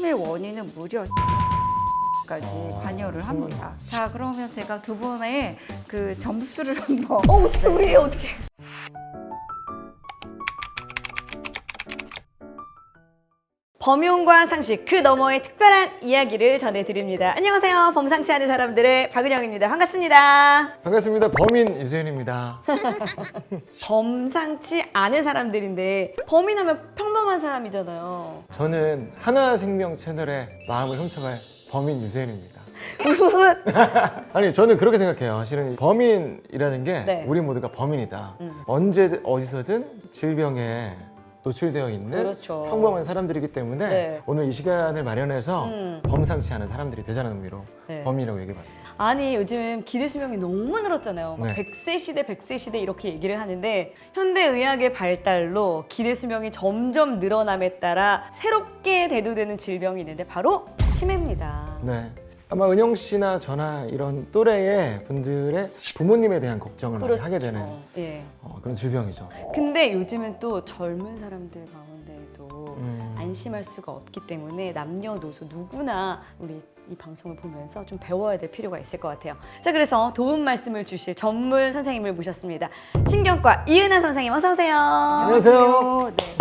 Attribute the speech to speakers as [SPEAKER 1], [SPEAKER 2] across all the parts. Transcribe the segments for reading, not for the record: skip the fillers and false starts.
[SPEAKER 1] 치매 원인은 무려 까지 관여를 합니다. 자, 그러면 제가 두 분의 그 점수를 한번
[SPEAKER 2] 어떻게 우리 어떻게? 범용과 상식 그 너머의 특별한 이야기를 전해드립니다. 안녕하세요. 범상치 않은 사람들의 박은영입니다. 반갑습니다.
[SPEAKER 3] 반갑습니다. 범인 유세윤입니다.
[SPEAKER 2] 범상치 않은 사람들인데 범인하면 평범한 사람이잖아요.
[SPEAKER 3] 저는 하나생명 채널의 마음을 훔쳐갈 범인 유세윤입니다. 아니 저는 그렇게 생각해요. 실은 범인이라는 게
[SPEAKER 2] 네.
[SPEAKER 3] 우리 모두가 범인이다. 언제 어디서든 질병에 노출되어 있는
[SPEAKER 2] 그렇죠.
[SPEAKER 3] 평범한 사람들이기 때문에
[SPEAKER 2] 네.
[SPEAKER 3] 오늘 이 시간을 마련해서 범상치 않은 사람들이 되자는 의미로
[SPEAKER 2] 네.
[SPEAKER 3] 범인이라고 얘기해봤습니다.
[SPEAKER 2] 아니 요즘 기대 수명이 너무 늘었잖아요. 막
[SPEAKER 3] 네.
[SPEAKER 2] 100세 시대, 100세 시대 이렇게 얘기를 하는데 현대의학의 발달로 기대 수명이 점점 늘어남에 따라 새롭게 대두되는 질병이 있는데 바로 치매입니다.
[SPEAKER 3] 네. 아마 은영 씨나 저나 이런 또래의 분들의 부모님에 대한 걱정을 많이 하게 되는
[SPEAKER 2] 예.
[SPEAKER 3] 그런 질병이죠.
[SPEAKER 2] 근데 요즘은 또 젊은 사람들 가운데도 안심할 수가 없기 때문에 남녀노소 누구나 우리 이 방송을 보면서 좀 배워야 될 필요가 있을 것 같아요. 자, 그래서 도움 말씀을 주실 전문 선생님을 모셨습니다. 신경과 이은하 선생님 어서 오세요.
[SPEAKER 3] 안녕하세요.
[SPEAKER 1] 네.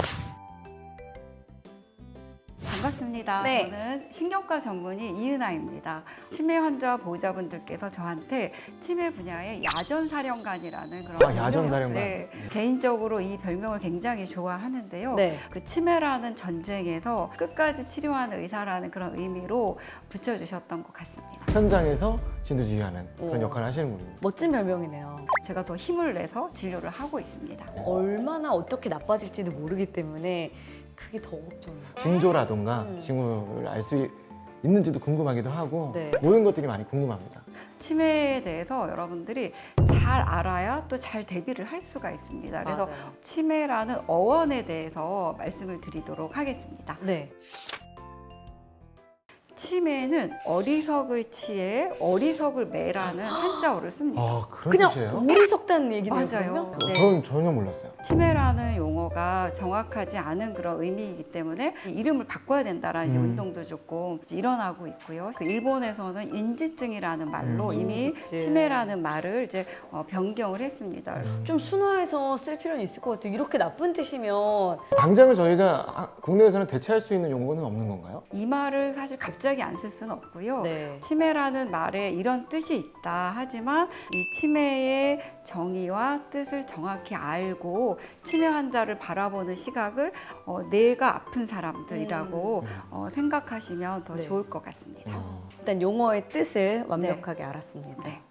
[SPEAKER 1] 반갑습니다.
[SPEAKER 2] 네.
[SPEAKER 1] 저는 신경과 전문의 이은하입니다. 치매 환자 보호자분들께서 저한테 치매 분야의 야전사령관이라는 그런
[SPEAKER 3] 야전사령관.
[SPEAKER 1] 네. 개인적으로 이 별명을 굉장히 좋아하는데요.
[SPEAKER 2] 네.
[SPEAKER 1] 그 치매라는 전쟁에서 끝까지 치료하는 의사라는 그런 의미로 붙여주셨던 것 같습니다.
[SPEAKER 3] 현장에서 진두지휘하는 그런
[SPEAKER 2] 오.
[SPEAKER 3] 역할을 하시는 분입니다.
[SPEAKER 2] 멋진 별명이네요.
[SPEAKER 1] 제가 더 힘을 내서 진료를 하고 있습니다.
[SPEAKER 2] 얼마나 어떻게 나빠질지도 모르기 때문에 그게 더 걱정이에요.
[SPEAKER 3] 징조라던가 징후를 알 수 있는지도 궁금하기도 하고
[SPEAKER 2] 네.
[SPEAKER 3] 모든 것들이 많이 궁금합니다.
[SPEAKER 1] 치매에 대해서 여러분들이 잘 알아야 또 잘 대비를 할 수가 있습니다. 그래서
[SPEAKER 2] 맞아요.
[SPEAKER 1] 치매라는 어원에 대해서 말씀을 드리도록 하겠습니다.
[SPEAKER 2] 네.
[SPEAKER 1] 치매는 어리석을 치에 어리석을 매라는 한자어를 씁니다.
[SPEAKER 3] 아 그런
[SPEAKER 2] 그냥
[SPEAKER 3] 뜻이에요?
[SPEAKER 2] 오리 속다는 얘기네요.
[SPEAKER 1] 맞아요.
[SPEAKER 2] 그러면?
[SPEAKER 1] 네.
[SPEAKER 3] 저는 전혀 몰랐어요.
[SPEAKER 1] 치매라는 용어가 정확하지 않은 그런 의미이기 때문에 이름을 바꿔야 된다라는 이제 운동도 조금 이제 일어나고 있고요. 그 일본에서는 인지증이라는 말로 이미
[SPEAKER 2] 인지증.
[SPEAKER 1] 치매라는 말을 이제 변경을 했습니다.
[SPEAKER 2] 좀 순화해서 쓸 필요는 있을 것 같아요. 이렇게 나쁜 뜻이면
[SPEAKER 3] 당장은 저희가 국내에서는 대체할 수 있는 용어는 없는 건가요?
[SPEAKER 1] 이 말을 사실 갑자기 안 쓸 수는 없고요.
[SPEAKER 2] 네.
[SPEAKER 1] 치매라는 말에 이런 뜻이 있다 하지만 이 치매의 정의와 뜻을 정확히 알고 치매 환자를 바라보는 시각을 뇌가 아픈 사람들이라고 생각하시면 더
[SPEAKER 2] 네.
[SPEAKER 1] 좋을 것 같습니다.
[SPEAKER 2] 일단 용어의 뜻을 완벽하게 알았습니다.
[SPEAKER 1] 네.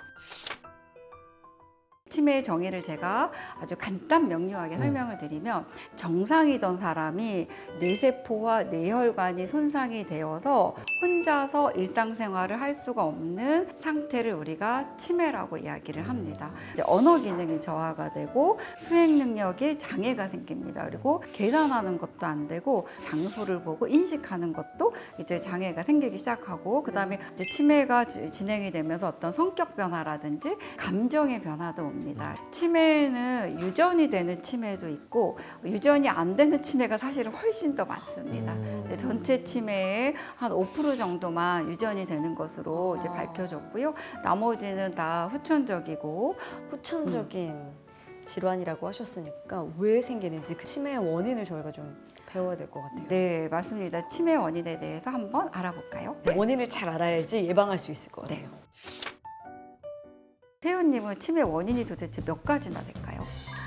[SPEAKER 1] 치매의 정의를 제가 아주 간단 명료하게 설명을 드리면 정상이던 사람이 뇌세포와 뇌혈관이 손상이 되어서 혼자서 일상생활을 할 수가 없는 상태를 우리가 치매라고 이야기를 합니다. 이제 언어 기능이 저하가 되고 수행 능력에 장애가 생깁니다. 그리고 계산하는 것도 안 되고 장소를 보고 인식하는 것도 이제 장애가 생기기 시작하고 그다음에 이제 치매가 진행이 되면서 어떤 성격 변화라든지 감정의 변화도 옵니다. 치매는 유전이 되는 치매도 있고 유전이 안 되는 치매가 사실은 훨씬 더 많습니다. 근데 전체 치매의 한 5% 정도만 유전이 되는 것으로 이제 밝혀졌고요. 나머지는 다 후천적이고
[SPEAKER 2] 후천적인 질환이라고 하셨으니까 왜 생기는지 그 치매의 원인을 저희가 좀 배워야 될 것 같아요.
[SPEAKER 1] 네, 맞습니다. 치매 원인에 대해서 한번 알아볼까요? 네.
[SPEAKER 2] 원인을 잘 알아야지 예방할 수 있을 것 같아요.
[SPEAKER 1] 태훈님은 치매 원인이 도대체 몇 가지나 될까요?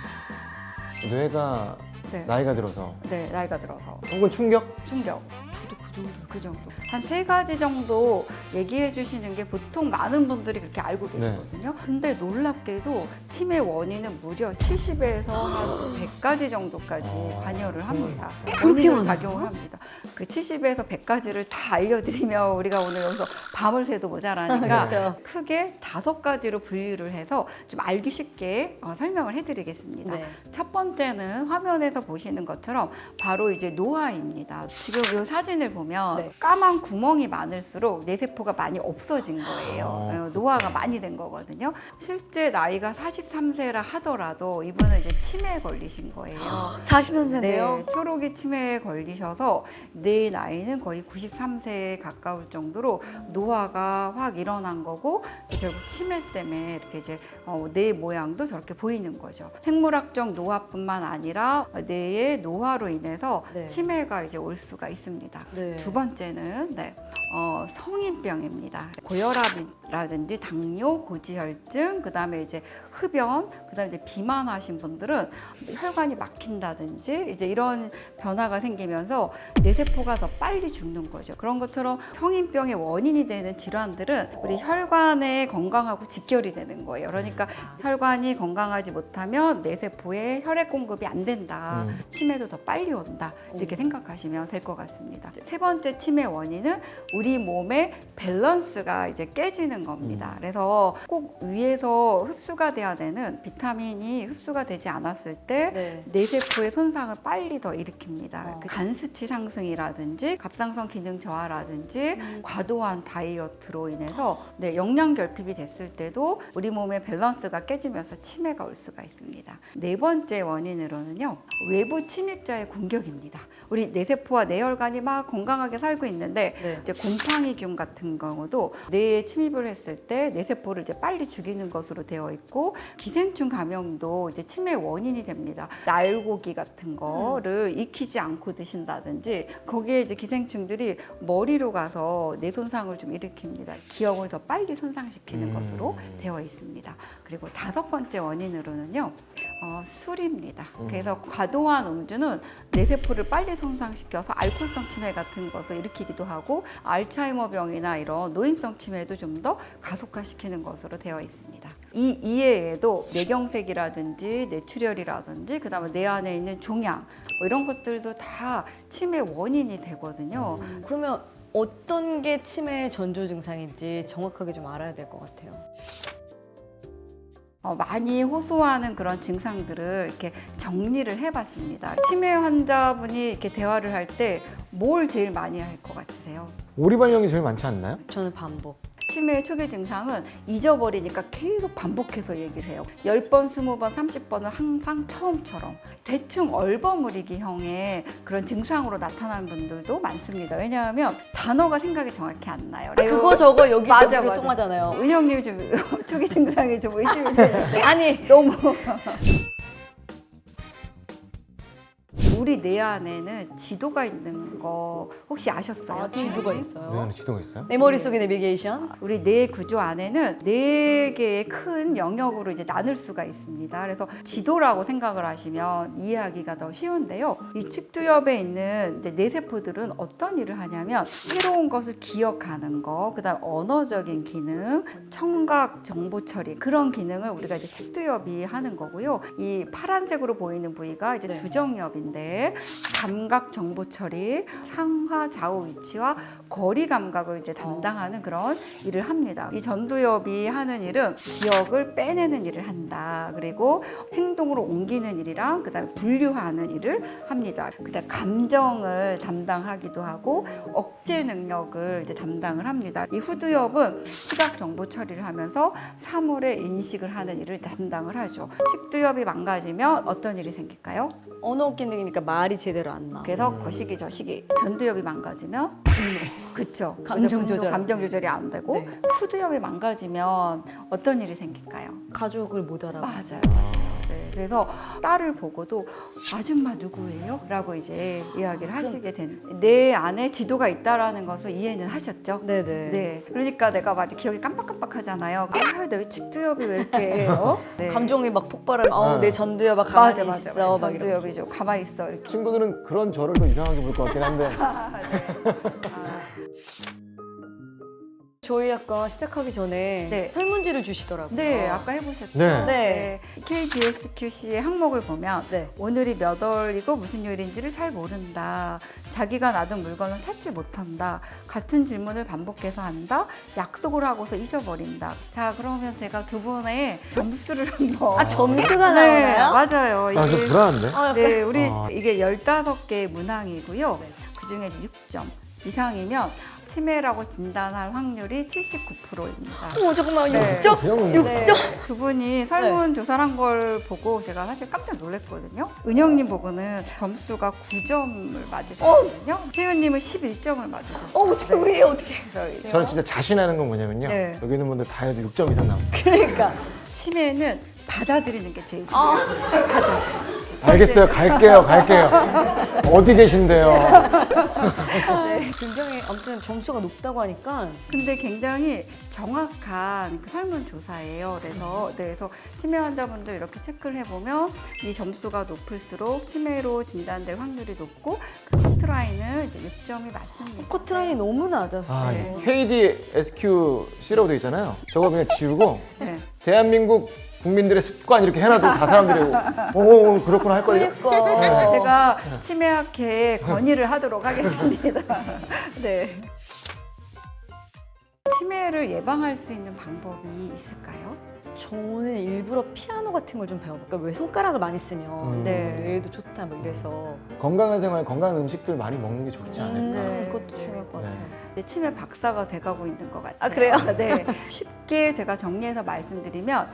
[SPEAKER 3] 뇌가
[SPEAKER 1] 네,
[SPEAKER 3] 나이가 들어서
[SPEAKER 1] 네, 나이가 들어서
[SPEAKER 3] 혹은 충격?
[SPEAKER 1] 충격.
[SPEAKER 2] 저도 그 정도.
[SPEAKER 1] 한 3가지 정도 얘기해 주시는 게 보통 많은 분들이 그렇게 알고 계시거든요. 근데 놀랍게도 치매 원인은 무려 70에서 한 100가지 정도까지 관여를 합니다.
[SPEAKER 2] 그렇게
[SPEAKER 1] 원인으로
[SPEAKER 2] 많아요?
[SPEAKER 1] 작용을 합니다. 그 70에서 100가지를 다 알려드리면 우리가 오늘 여기서 밤을 새도 모자라니까
[SPEAKER 2] 그렇죠.
[SPEAKER 1] 크게 5가지로 분류를 해서 좀 알기 쉽게 설명을 해드리겠습니다.
[SPEAKER 2] 네.
[SPEAKER 1] 첫 번째는 화면에서 보시는 것처럼 바로 이제 노화입니다. 지금 이 사진을 보면 보면
[SPEAKER 2] 네.
[SPEAKER 1] 까만 구멍이 많을수록 뇌세포가 많이 없어진 거예요. 노화가 많이 된 거거든요. 실제 나이가 43세라 하더라도 이분은 이제 치매에 걸리신 거예요.
[SPEAKER 2] 43세네요.
[SPEAKER 1] 네, 초록이 치매에 걸리셔서 내 나이는 거의 93세에 가까울 정도로 노화가 확 일어난 거고 결국 치매 때문에 이렇게 이제 뇌 모양도 저렇게 보이는 거죠. 생물학적 노화뿐만 아니라 뇌의 노화로 인해서
[SPEAKER 2] 네.
[SPEAKER 1] 치매가 이제 올 수가 있습니다.
[SPEAKER 2] 네.
[SPEAKER 1] 두 번째는 성인병입니다. 고혈압이라든지 당뇨, 고지혈증, 그다음에 이제 흡연, 그다음에 이제 비만하신 분들은 혈관이 막힌다든지 이제 이런 변화가 생기면서 뇌세포가 더 빨리 죽는 거죠. 그런 것처럼 성인병의 원인이 되는 질환들은 우리 혈관의 건강하고 직결이 되는 거예요. 그러니까 혈관이 건강하지 못하면 뇌세포에 혈액 공급이 안 된다. 치매도 더 빨리 온다. 이렇게 생각하시면 될 것 같습니다. 세 번째 치매 원인은 우리 몸의 밸런스가 이제 깨지는 겁니다. 그래서 꼭 위에서 흡수가 돼야 되는 비타민이 흡수가 되지 않았을 때
[SPEAKER 2] 네.
[SPEAKER 1] 뇌세포의 손상을 빨리 더 일으킵니다. 그 간 수치 상승이라든지 갑상선 기능 저하라든지 과도한 다이어트로 인해서 영양 결핍이 됐을 때도 우리 몸의 밸런스가 깨지면서 치매가 올 수가 있습니다. 네 번째 원인으로는요, 외부 침입자의 공격입니다. 우리 뇌세포와 뇌혈관이 막 건강하게 살고 있는데
[SPEAKER 2] 네.
[SPEAKER 1] 이제 곰팡이균 같은 경우도 뇌에 침입을 했을 때 뇌세포를 이제 빨리 죽이는 것으로 되어 있고, 기생충 감염도 이제 치매 원인이 됩니다. 날고기 같은 거를 익히지 않고 드신다든지 거기에 이제 기생충들이 머리로 가서 뇌 손상을 좀 일으킵니다. 기억을 더 빨리 손상시키는 것으로 되어 있습니다. 그리고 다섯 번째 원인으로는요, 술입니다. 그래서 과도한 음주는 뇌세포를 빨리 손상시켜서 알코올성 치매 같은 것을 일으키기도 하고 알츠하이머병이나 이런 노인성 치매도 좀 더 가속화시키는 것으로 되어 있습니다. 이 이외에도 뇌경색이라든지 뇌출혈이라든지 그다음에 뇌 안에 있는 종양 이런 것들도 다 치매 원인이 되거든요.
[SPEAKER 2] 그러면 어떤 게 치매의 전조 증상인지 정확하게 좀 알아야 될 것 같아요.
[SPEAKER 1] 많이 호소하는 그런 증상들을 이렇게 정리를 해봤습니다. 치매 환자분이 이렇게 대화를 할 때 뭘 제일 많이 할 것 같으세요?
[SPEAKER 3] 오리발령이 제일 많지 않나요?
[SPEAKER 2] 저는 반복.
[SPEAKER 1] 치매의 초기 증상은 잊어버리니까 계속 반복해서 얘기를 해요. 10번, 20번, 30번은 항상 처음처럼 대충 얼버무리기형의 그런 증상으로 나타나는 분들도 많습니다. 왜냐하면 단어가 생각이 정확히 안 나요.
[SPEAKER 2] 그거 저거 여기
[SPEAKER 1] 맞아,
[SPEAKER 2] 저기로
[SPEAKER 1] 맞아.
[SPEAKER 2] 통하잖아요.
[SPEAKER 1] 은영님 좀 초기 증상이 좀 의심이 되는데
[SPEAKER 2] 아니
[SPEAKER 1] 너무 우리 뇌 안에는 지도가 있는 거 혹시 아셨어요?
[SPEAKER 2] 지도가
[SPEAKER 1] 선생님?
[SPEAKER 2] 있어요.
[SPEAKER 3] 뇌 안에 지도가 있어요?
[SPEAKER 2] 내 머릿속에 내비게이션.
[SPEAKER 1] 우리 뇌 구조 안에는 4개의 큰 영역으로 이제 나눌 수가 있습니다. 그래서 지도라고 생각을 하시면 이해하기가 더 쉬운데요. 이 측두엽에 있는 이제 뇌세포들은 어떤 일을 하냐면 새로운 것을 기억하는 거, 그다음 언어적인 기능, 청각 정보 처리 그런 기능을 우리가 이제 측두엽이 하는 거고요. 이 파란색으로 보이는 부위가 이제
[SPEAKER 2] 네.
[SPEAKER 1] 두정엽인데 감각 정보 처리, 상하 좌우 위치와 거리 감각을 이제 담당하는 그런 일을 합니다. 이 전두엽이 하는 일은 기억을 빼내는 일을 한다. 그리고 행동으로 옮기는 일이랑 그다음에 분류하는 일을 합니다. 그다음에 감정을 담당하기도 하고 억제 능력을 이제 담당을 합니다. 이 후두엽은 시각 정보 처리를 하면서 사물의 인식을 하는 일을 담당을 하죠. 측두엽이 망가지면 어떤 일이 생길까요?
[SPEAKER 2] 언어 기능이니까 말이 제대로 안 나.
[SPEAKER 1] 그래서 거시기 저시기. 전두엽이 망가지면 그쵸.
[SPEAKER 2] 감정
[SPEAKER 1] 분노,
[SPEAKER 2] 조절.
[SPEAKER 1] 감정 조절이 안 되고
[SPEAKER 2] 네.
[SPEAKER 1] 후두엽이 망가지면 어떤 일이 생길까요?
[SPEAKER 2] 가족을 못 알아.
[SPEAKER 1] 맞아요. 네, 그래서 딸을 보고도 아줌마 누구예요? 라고 이제 이야기를 하시게 되는. 내 안에 지도가 있다라는 것을 이해는 하셨죠?
[SPEAKER 2] 네네.
[SPEAKER 1] 네. 그러니까 내가 막 기억이 깜빡깜빡하잖아요. 아, 내 측두엽이 왜 이렇게 네.
[SPEAKER 2] 감정이 막 폭발하면 내 전두엽아
[SPEAKER 1] 맞아,
[SPEAKER 2] 가만히
[SPEAKER 1] 맞아,
[SPEAKER 2] 있어.
[SPEAKER 1] 맞아.
[SPEAKER 2] 막 이러고.
[SPEAKER 1] 전두엽이 좀 가만히 있어. 이렇게.
[SPEAKER 3] 친구들은 그런 저를 더 이상하게 볼 것 같긴 한데
[SPEAKER 2] 저희 아까 시작하기 전에
[SPEAKER 1] 네.
[SPEAKER 2] 설문지를 주시더라고요.
[SPEAKER 1] 네, 아까 해보셨죠?
[SPEAKER 3] 네.
[SPEAKER 2] 네.
[SPEAKER 1] KDSQC의 항목을 보면
[SPEAKER 2] 네.
[SPEAKER 1] 오늘이 몇 월이고 무슨 요일인지를 잘 모른다. 자기가 놔둔 물건을 찾지 못한다. 같은 질문을 반복해서 한다. 약속을 하고서 잊어버린다. 자, 그러면 제가 두 분의 점수를 한번.
[SPEAKER 2] 아 점수가
[SPEAKER 1] 네,
[SPEAKER 2] 나오나요?
[SPEAKER 1] 맞아요.
[SPEAKER 3] 나 좀 불안한데?
[SPEAKER 2] 약간
[SPEAKER 1] 네, 우리
[SPEAKER 3] 아.
[SPEAKER 1] 이게 15개의 문항이고요.
[SPEAKER 2] 네.
[SPEAKER 1] 그 중에 6점. 이상이면 치매라고 진단할 확률이 79%입니다.
[SPEAKER 2] 잠깐만,
[SPEAKER 1] 네.
[SPEAKER 2] 6점?
[SPEAKER 3] 그냥
[SPEAKER 1] 네. 두 분이 설문조사를 한 걸 보고 제가 사실 깜짝 놀랐거든요. 은영님 보고는 점수가 9점을 맞으셨거든요. 태윤님은 11점을 맞으셨어요.
[SPEAKER 2] 어떻게 우리 어떻게?
[SPEAKER 1] 그래서
[SPEAKER 3] 저는 진짜 자신하는 건 뭐냐면요.
[SPEAKER 1] 네.
[SPEAKER 3] 여기 있는 분들 다 해도 6점 이상 나옵니다.
[SPEAKER 2] 그러니까.
[SPEAKER 1] 치매는 받아들이는 게 제일 중요해요. 받아들이는.
[SPEAKER 3] 알겠어요. 갈게요. 어디 계신데요?
[SPEAKER 2] 굉장히 아무튼 점수가 높다고 하니까
[SPEAKER 1] 근데 굉장히 정확한 그 설문조사예요. 그래서 치매 환자분들 이렇게 체크를 해보면 이 점수가 높을수록 치매로 진단될 확률이 높고 그 커트라인은 이제 6점이 맞습니다.
[SPEAKER 2] 커트라인이 너무 낮아서.
[SPEAKER 3] 아,
[SPEAKER 1] 네.
[SPEAKER 3] KDSQC라고 되어 있잖아요. 저거 그냥 지우고
[SPEAKER 1] 네.
[SPEAKER 3] 대한민국 국민들의 습관 이렇게 해놔도 다 사람들이 오 그렇구나 할걸요?
[SPEAKER 2] 그러니까.
[SPEAKER 1] 제가 치매학회에 건의를 하도록 하겠습니다. 네. 치매를 예방할 수 있는 방법이 있을까요?
[SPEAKER 2] 저는 일부러 피아노 같은 걸 좀 배워볼까? 왜 손가락을 많이 쓰면
[SPEAKER 1] 네.
[SPEAKER 2] 뇌에도 좋다 뭐 이래서.
[SPEAKER 3] 건강한 생활, 건강한 음식들 많이 먹는 게 좋지 않을까?
[SPEAKER 1] 네.
[SPEAKER 2] 그것도 중요할 것 같아요.
[SPEAKER 1] 네, 치매 박사가 돼가고 있는 것 같아요.
[SPEAKER 2] 아, 그래요?
[SPEAKER 1] 네. 쉽게 제가 정리해서 말씀드리면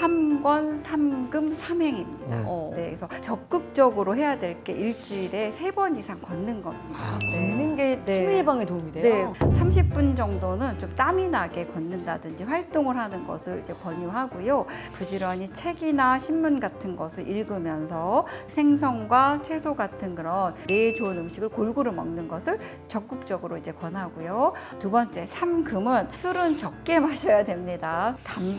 [SPEAKER 1] 3권 3금 3행입니다. 네, 그래서 적극적으로 해야 될 게 일주일에 3번 이상 걷는 겁니다.
[SPEAKER 2] 걷는 게
[SPEAKER 1] 네.
[SPEAKER 2] 치매 예방에 도움이
[SPEAKER 1] 네,
[SPEAKER 2] 돼요?
[SPEAKER 1] 30분 정도는 좀 땀이 나게 걷는다든지 활동을 하는 것을 이제 권유하고요. 부지런히 책이나 신문 같은 것을 읽으면서 생선과 채소 같은 그런 뇌에 좋은 음식을 골고루 먹는 것을 적극적으로 이제 권하고요. 두 번째, 3금은 술은 적게 마셔야 됩니다.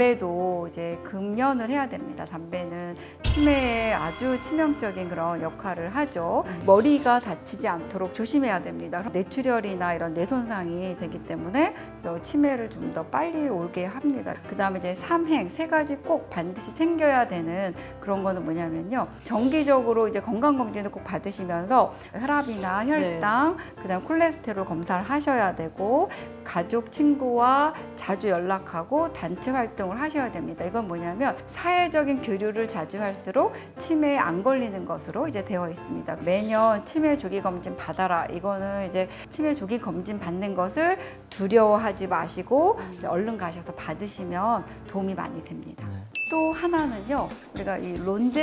[SPEAKER 1] 담배도 이제 금연을 해야 됩니다. 담배는 치매에 아주 치명적인 그런 역할을 하죠. 머리가 다치지 않도록 조심해야 됩니다. 뇌출혈이나 이런 뇌 손상이 되기 때문에 그래서 치매를 좀 더 빨리 오게 합니다. 그 다음에 이제 3행, 3가지 꼭 반드시 챙겨야 되는 그런 거는 뭐냐면요. 정기적으로 이제 건강검진을 꼭 받으시면서 혈압이나 혈당, 그 다음 콜레스테롤 검사를 하셔야 되고 가족, 친구와 자주 연락하고 단체 활동을 하셔야 됩니다. 이건 뭐냐면 사회적인 교류를 자주 할수록 치매에 안 걸리는 것으로 이제 되어 있습니다. 매년 치매 조기 검진 받아라. 이거는 이제 치매 조기 검진 받는 것을 두려워하지 마시고 얼른 가셔서 받으시면 도움이 많이 됩니다. 또 하나는요, 우리가 이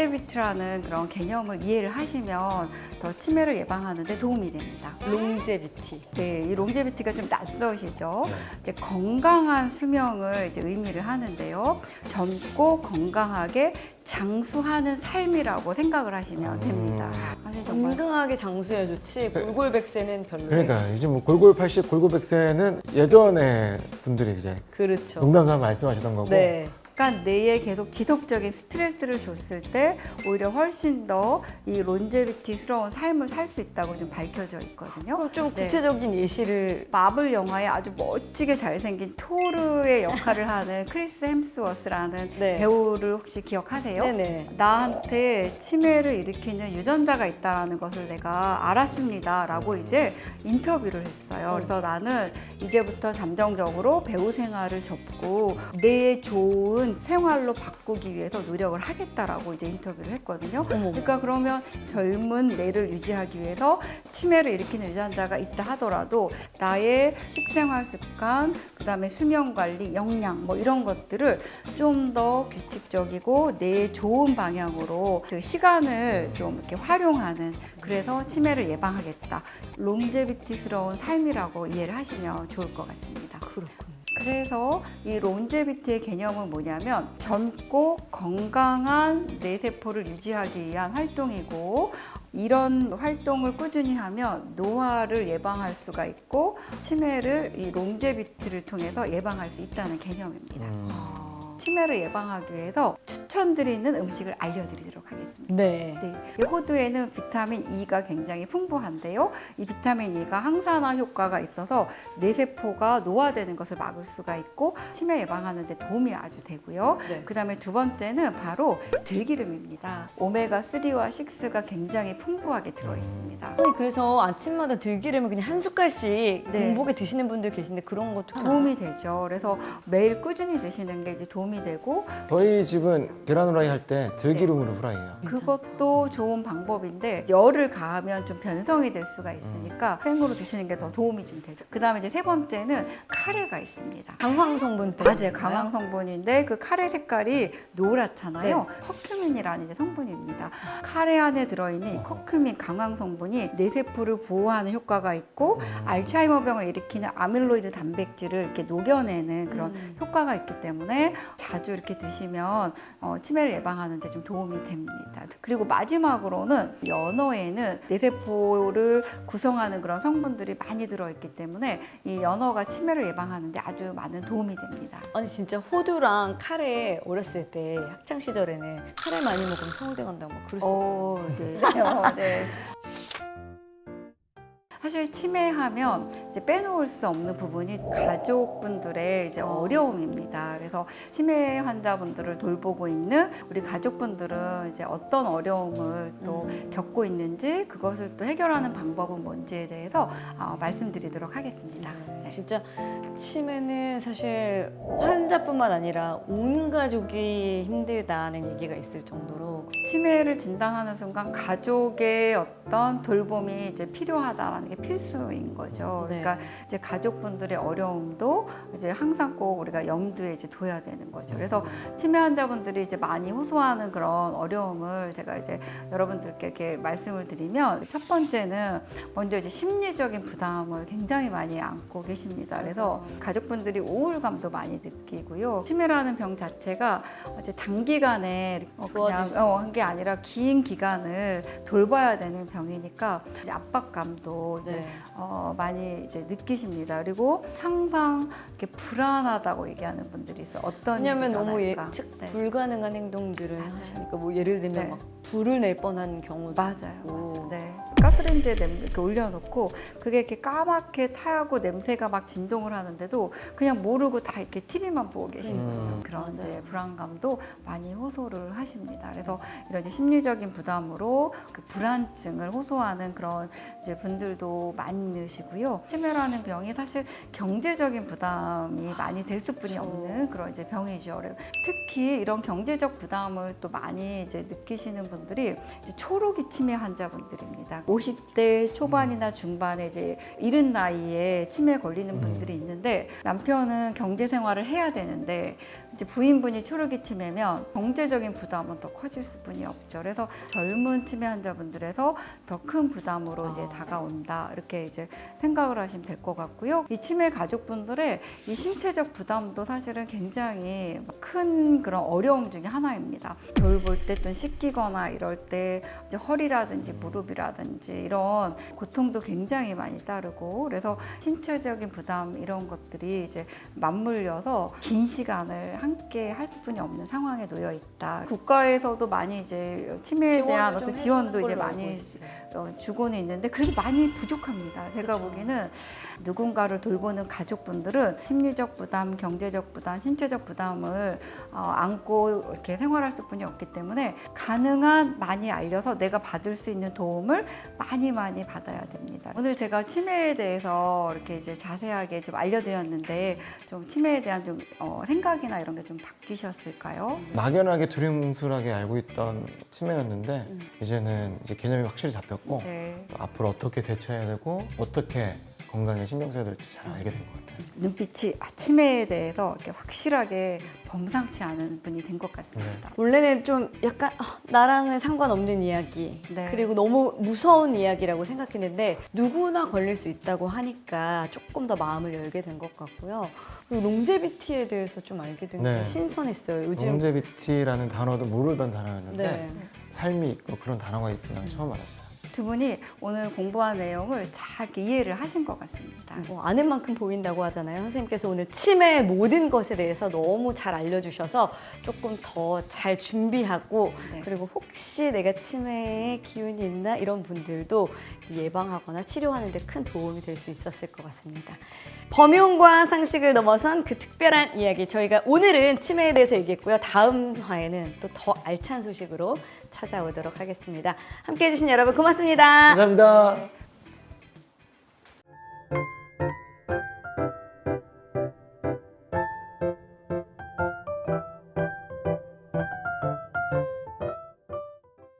[SPEAKER 1] 론제비티라는 그런 개념을 이해를 하시면 더 치매를 예방하는 데 도움이 됩니다.
[SPEAKER 2] 롱제비티.
[SPEAKER 1] 네, 이 롱제비티가 좀 낯서시죠? 이제 건강한 수명을 이제 의미를 하는데요. 젊고 건강하게 장수하는 삶이라고 생각을 하시면 됩니다. 사실 정말
[SPEAKER 2] 건강하게 장수해야 좋지 골골백세는 별로예요.
[SPEAKER 3] 그러니까 요즘 뭐 골골 80, 골골 100세는 예전에 분들이 이제
[SPEAKER 2] 그렇죠.
[SPEAKER 3] 농담삼아 말씀하시던 거고
[SPEAKER 2] 네.
[SPEAKER 1] 약간 뇌에 계속 지속적인 스트레스를 줬을 때 오히려 훨씬 더 이 론제비티스러운 삶을 살 수 있다고 좀 밝혀져 있거든요.
[SPEAKER 2] 그럼 좀
[SPEAKER 1] 네.
[SPEAKER 2] 구체적인 예시를
[SPEAKER 1] 마블 영화에 아주 멋지게 잘생긴 토르의 역할을 하는 크리스 햄스워스라는
[SPEAKER 2] 네.
[SPEAKER 1] 배우를 혹시 기억하세요?
[SPEAKER 2] 네네.
[SPEAKER 1] 나한테 치매를 일으키는 유전자가 있다는 것을 내가 알았습니다라고 이제 인터뷰를 했어요. 그래서 나는 이제부터 잠정적으로 배우 생활을 접고 뇌에 좋은 생활로 바꾸기 위해서 노력을 하겠다라고 이제 인터뷰를 했거든요. 그러니까 그러면 젊은 뇌를 유지하기 위해서 치매를 일으키는 유전자가 있다 하더라도 나의 식생활 습관, 그다음에 수면 관리, 영양 뭐 이런 것들을 좀 더 규칙적이고 뇌에 좋은 방향으로 그 시간을 좀 이렇게 활용하는, 그래서 치매를 예방하겠다. 롱제비티스러운 삶이라고 이해를 하시면 좋을 것 같습니다.
[SPEAKER 2] 그렇군요.
[SPEAKER 1] 그래서 이 론제비티의 개념은 뭐냐면 젊고 건강한 뇌세포를 유지하기 위한 활동이고, 이런 활동을 꾸준히 하면 노화를 예방할 수가 있고 치매를 이 론제비티를 통해서 예방할 수 있다는 개념입니다. 치매를 예방하기 위해서 추천드리는 음식을 알려드리도록 하겠습니다.
[SPEAKER 2] 네.
[SPEAKER 1] 네, 이 호두에는 비타민 E가 굉장히 풍부한데요. 이 비타민 E가 항산화 효과가 있어서 뇌세포가 노화되는 것을 막을 수가 있고 치매 예방하는 데 도움이 아주 되고요.
[SPEAKER 2] 네.
[SPEAKER 1] 그다음에 두 번째는 바로 들기름입니다. 오메가3와 6가 굉장히 풍부하게 들어 있습니다.
[SPEAKER 2] 아니 그래서 아침마다 들기름을 그냥 한 숟갈씩
[SPEAKER 1] 네.
[SPEAKER 2] 공복에 드시는 분들 계신데 그런 것도
[SPEAKER 1] 도움이 되죠. 그래서 매일 꾸준히 드시는 게 이제 도움이 도움이 되고
[SPEAKER 3] 저희 집은 계란 후라이 할 때 들기름으로 후라이해요.
[SPEAKER 1] 그것도 좋은 방법인데 열을 가하면 좀 변성이 될 수가 있으니까 생으로 드시는 게 더 도움이 좀 되죠. 그다음에 이제 세 번째는 카레가 있습니다.
[SPEAKER 2] 강황 성분 때문에.
[SPEAKER 1] 맞아요. 강황 성분인데 그 카레 색깔이 노랗잖아요.
[SPEAKER 2] 네.
[SPEAKER 1] 커큐민이라는 이제 성분입니다. 카레 안에 들어있는 이 커큐민 강황 성분이 뇌세포를 보호하는 효과가 있고 알츠하이머병을 일으키는 아밀로이드 단백질을 이렇게 녹여내는 그런 효과가 있기 때문에 자주 이렇게 드시면 치매를 예방하는 데 좀 도움이 됩니다. 그리고 마지막으로는 연어에는 뇌세포를 구성하는 그런 성분들이 많이 들어있기 때문에 이 연어가 치매를 예방하는 데 아주 많은 도움이 됩니다.
[SPEAKER 2] 아니 진짜 호두랑 카레 어렸을 때 학창 시절에는 카레 많이 먹으면 서울대 간다고 막 그랬어.
[SPEAKER 1] 네. 네. 사실 치매하면 이제 빼놓을 수 없는 부분이 가족분들의 이제 어려움입니다. 그래서 치매 환자분들을 돌보고 있는 우리 가족분들은 이제 어떤 어려움을 또 겪고 있는지 그것을 또 해결하는 방법은 뭔지에 대해서 말씀드리도록 하겠습니다. 네.
[SPEAKER 2] 진짜 치매는 사실 환자뿐만 아니라 온 가족이 힘들다는 얘기가 있을 정도로
[SPEAKER 1] 치매를 진단하는 순간 가족의 어떤 돌봄이 이제 필요하다라는 게 필수인 거죠.
[SPEAKER 2] 네.
[SPEAKER 1] 그러니까 이제 가족분들의 어려움도 이제 항상 꼭 우리가 염두에 이제 둬야 되는 거죠. 그래서 치매 환자분들이 이제 많이 호소하는 그런 어려움을 제가 이제 여러분들께 이렇게 말씀을 드리면 첫 번째는 먼저 이제 심리적인 부담을 굉장히 많이 안고 계십니다. 그래서 가족분들이 우울감도 많이 느끼고요. 치매라는 병 자체가 이제 단기간에 그냥 한 게 아니라 긴 기간을 돌봐야 되는 병이니까 이제 압박감도 이제 많이 이제 느끼십니다. 그리고 항상 이렇게 불안하다고 얘기하는 분들이 있어요. 어떤
[SPEAKER 2] 왜냐하면
[SPEAKER 1] 일이
[SPEAKER 2] 너무
[SPEAKER 1] 일어날까.
[SPEAKER 2] 예측
[SPEAKER 1] 네.
[SPEAKER 2] 불가능한 행동들을
[SPEAKER 1] 맞아요.
[SPEAKER 2] 하시니까 뭐 예를 들면
[SPEAKER 1] 네.
[SPEAKER 2] 막 불을 낼 뻔한 경우도
[SPEAKER 1] 맞아요.
[SPEAKER 2] 있고.
[SPEAKER 1] 네. 가스레인지에 이렇게 올려놓고 그게 이렇게 까맣게 타고 냄새가 막 진동을 하는데도 그냥 모르고 다 이렇게 TV만 보고 계신 거죠. 그런
[SPEAKER 2] 맞아요.
[SPEAKER 1] 이제 불안감도 많이 호소를 하십니다. 그래서 이런 이제 심리적인 부담으로 그 불안증을 호소하는 그런 이제 분들도 많으시고요. 치매라는 병이 사실 경제적인 부담이 많이 될 수뿐이 없는 그런 이제 병이죠. 특히 이런 경제적 부담을 또 많이 이제 느끼시는 분들이 이제 초록이 치매 환자분들입니다. 50대 초반이나 중반에 이제 이른 나이에 치매에 걸리는 분들이 있는데 남편은 경제 생활을 해야 되는데 이제 부인분이 초록이 치매면 경제적인 부담은 더 커질 수뿐이 없죠. 그래서 젊은 치매 환자분들에서 더 큰 부담으로 이제 다가온다 이렇게 이제 생각을 하시면 될 것 같고요. 이 치매 가족분들의 이 신체적 부담도 사실은 굉장히 큰 그런 어려움 중에 하나입니다. 돌볼 때 또 씻기거나 이럴 때 이제 허리라든지 무릎이라든지 이런 고통도 굉장히 많이 따르고 그래서 신체적인 부담 이런 것들이 이제 맞물려서 긴 시간을 함께 할 수뿐이 없는 상황에 놓여 있다. 국가에서도 많이 이제 치매에 대한 어떤 지원도 이제 많이 주고는 있는데 그래도 많이 부족합니다. 제가 보기에는 누군가를 돌보는 가족분들은 심리적 부담, 경제적 부담, 신체적 부담을 안고 이렇게 생활할 수뿐이 없기 때문에 가능한 많이 알려서 내가 받을 수 있는 도움을 많이 받아야 됩니다. 오늘 제가 치매에 대해서 이렇게 이제 자세하게 좀 알려드렸는데 좀 치매에 대한 좀 생각이나 이런 게 좀 바뀌셨을까요?
[SPEAKER 3] 막연하게 두리뭉술하게 알고 있던 치매였는데 이제는 이제 개념이 확실히 잡혔고
[SPEAKER 1] 네.
[SPEAKER 3] 앞으로 어떻게 대처해야 되고 어떻게 건강에 신경 써야 될지 잘 알게 된 것 같아요.
[SPEAKER 1] 눈빛이 치매에 대해서 이렇게 확실하게 범상치 않은 분이 된 것 같습니다.
[SPEAKER 2] 원래는 좀 약간 나랑은 상관없는 이야기
[SPEAKER 1] 네.
[SPEAKER 2] 그리고 너무 무서운 이야기라고 생각했는데 누구나 걸릴 수 있다고 하니까 조금 더 마음을 열게 된 것 같고요. 그리고 롱제비티에 대해서 좀 알게 된 게
[SPEAKER 3] 네.
[SPEAKER 2] 신선했어요. 요즘
[SPEAKER 3] 롱제비티라는 단어도 모르던 단어였는데
[SPEAKER 2] 네.
[SPEAKER 3] 삶이 있고 그런 단어가 있구나 처음 알았어요.
[SPEAKER 1] 두 분이 오늘 공부한 내용을 잘 이렇게 이해를 하신 것 같습니다.
[SPEAKER 2] 아는 만큼 보인다고 하잖아요. 선생님께서 오늘 치매의 모든 것에 대해서 너무 잘 알려주셔서 조금 더 잘 준비하고
[SPEAKER 1] 네.
[SPEAKER 2] 그리고 혹시 내가 치매의 기운이 있나 이런 분들도 예방하거나 치료하는 데 큰 도움이 될 수 있었을 것 같습니다. 범용과 상식을 넘어선 그 특별한 이야기 저희가 오늘은 치매에 대해서 얘기했고요. 다음 화에는 또 더 알찬 소식으로 찾아오도록 하겠습니다. 함께해 주신 여러분 고맙습니다.
[SPEAKER 3] 감사합니다.